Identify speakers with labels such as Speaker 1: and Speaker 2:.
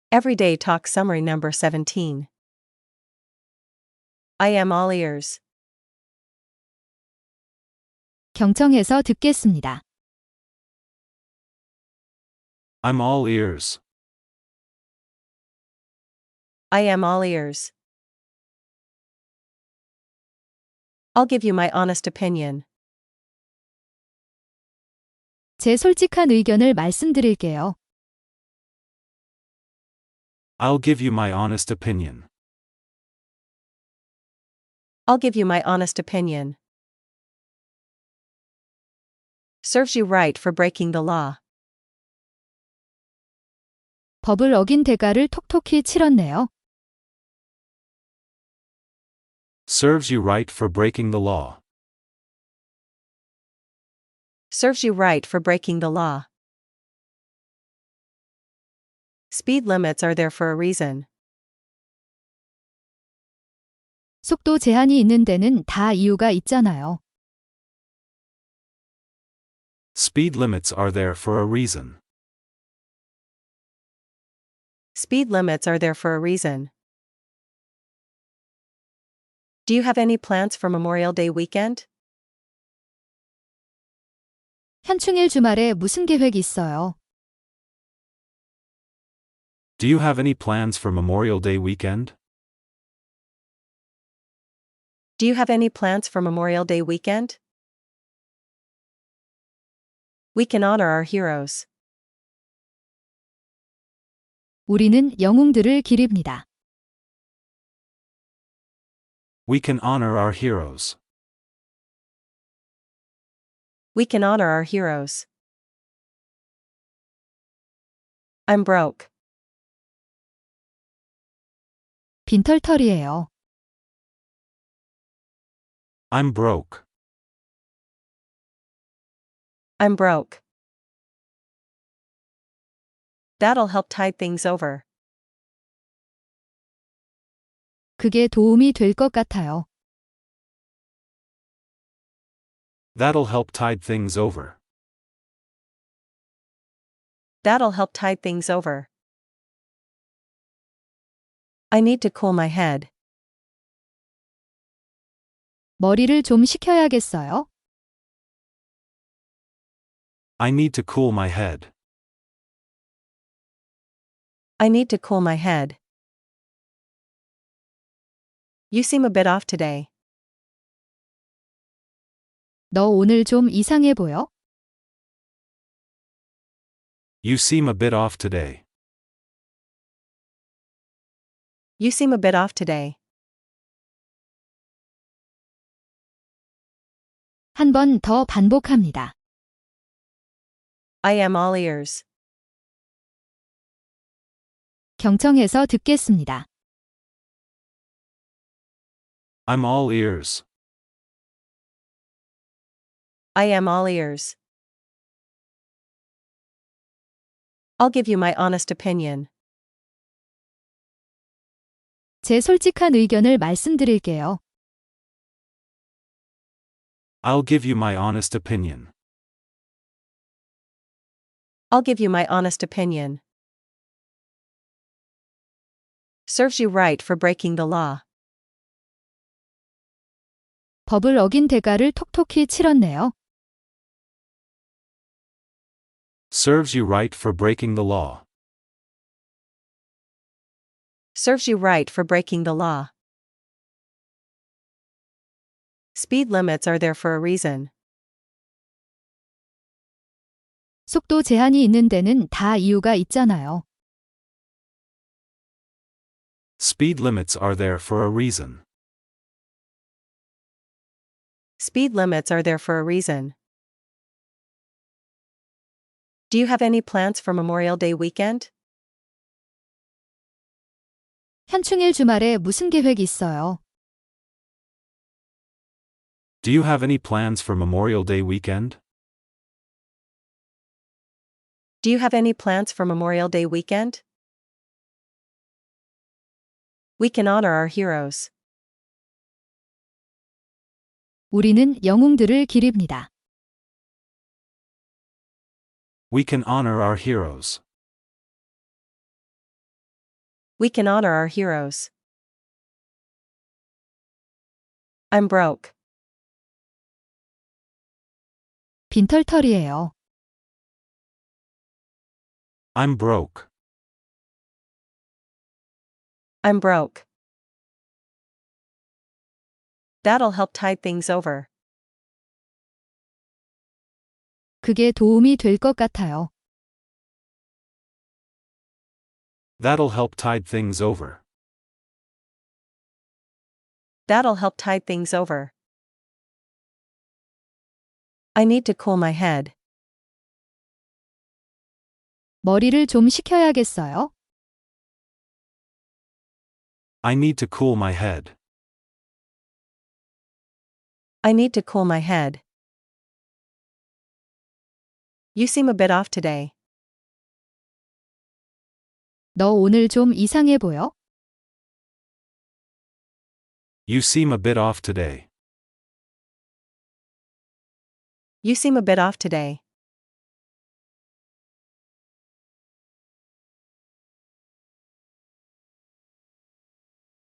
Speaker 1: Everyday Talk Summary Number 17. I am all ears.
Speaker 2: 경청해서 듣겠습니다.
Speaker 3: I'm all ears.
Speaker 1: I am all ears. I'll give you my honest opinion.
Speaker 2: 제 솔직한 의견을 말씀드릴게요.
Speaker 3: I'll give you my honest opinion.
Speaker 1: I'll give you my honest opinion. Serves you right for breaking the law.
Speaker 2: 법을 어긴 대가를 톡톡히 치렀네요.
Speaker 3: Serves you right for breaking the law.
Speaker 1: Serves you right for breaking the law. Speed limits are there for a reason.
Speaker 2: 속도 제한이 있는 데는 다 이유가 있잖아요.
Speaker 3: Speed limits are there for a reason.
Speaker 1: Speed limits are there for a reason. Do you have any plans for Memorial Day weekend?
Speaker 2: 현충일 주말에 무슨 계획 있어요?
Speaker 3: Do you have any plans for Memorial Day weekend?
Speaker 1: Do you have any plans for Memorial Day weekend? We can honor our heroes.
Speaker 2: 우리는 영웅들을 기립니다.
Speaker 3: We can honor our heroes.
Speaker 1: We can honor our heroes. I'm broke.
Speaker 2: 빈털털이에요.
Speaker 3: I'm broke.
Speaker 1: I'm broke. That'll help tide things over.
Speaker 2: 그게 도움이 될 것 같아요.
Speaker 3: That'll help tide things over.
Speaker 1: That'll help tide things over. I need to cool my head.
Speaker 2: 머리를 좀 식혀야겠어요.
Speaker 3: I need to cool my head.
Speaker 1: I need to cool my head. You seem a bit off today.
Speaker 2: 너 오늘 좀 이상해 보여?
Speaker 3: You seem a bit off today.
Speaker 1: You seem a bit off today.
Speaker 2: 한 번 더 반복합니다.
Speaker 1: I am all ears.
Speaker 2: 경청해서 듣겠습니다.
Speaker 3: I'm all ears.
Speaker 1: I am all ears. I'll give you my honest opinion.
Speaker 2: 제 솔직한 의견을 말씀드릴게요.
Speaker 3: I'll give you my honest opinion.
Speaker 1: I'll give you my honest opinion. Serves you right for breaking the law.
Speaker 2: 법을 어긴 대가를 톡톡히 치렀네요.
Speaker 3: Serves you right for breaking the law.
Speaker 1: Serves you right for breaking the law. Speed limits are there for a reason.
Speaker 2: 속도 제한이 있는 데는 다 이유가 있잖아요.
Speaker 3: Speed limits are there for a reason.
Speaker 1: Speed limits are there for a reason. Do you have any plans for Memorial Day weekend?
Speaker 2: 현충일 주말에 무슨 계획 있어요?
Speaker 3: Do you have any plans for Memorial Day weekend?
Speaker 1: Do you have any plans for Memorial Day weekend? We can honor our heroes.
Speaker 2: 우리는 영웅들을 기립니다.
Speaker 3: We can honor our heroes.
Speaker 1: We can honor our heroes. I'm broke.
Speaker 2: 빈털터리예요.
Speaker 3: I'm broke.
Speaker 1: I'm broke. That'll help tide things over.
Speaker 2: 그게 도움이 될 것 같아요.
Speaker 3: That'll help tide things over.
Speaker 1: That'll help tide things over. I need to cool my head.
Speaker 2: 머리를 좀 식혀야겠어요.
Speaker 3: I need to cool my head.
Speaker 1: I need to cool my head. You seem a bit off today.
Speaker 2: 너 오늘 좀 이상해 보여?
Speaker 3: You seem a bit off today.
Speaker 1: You seem a bit off today.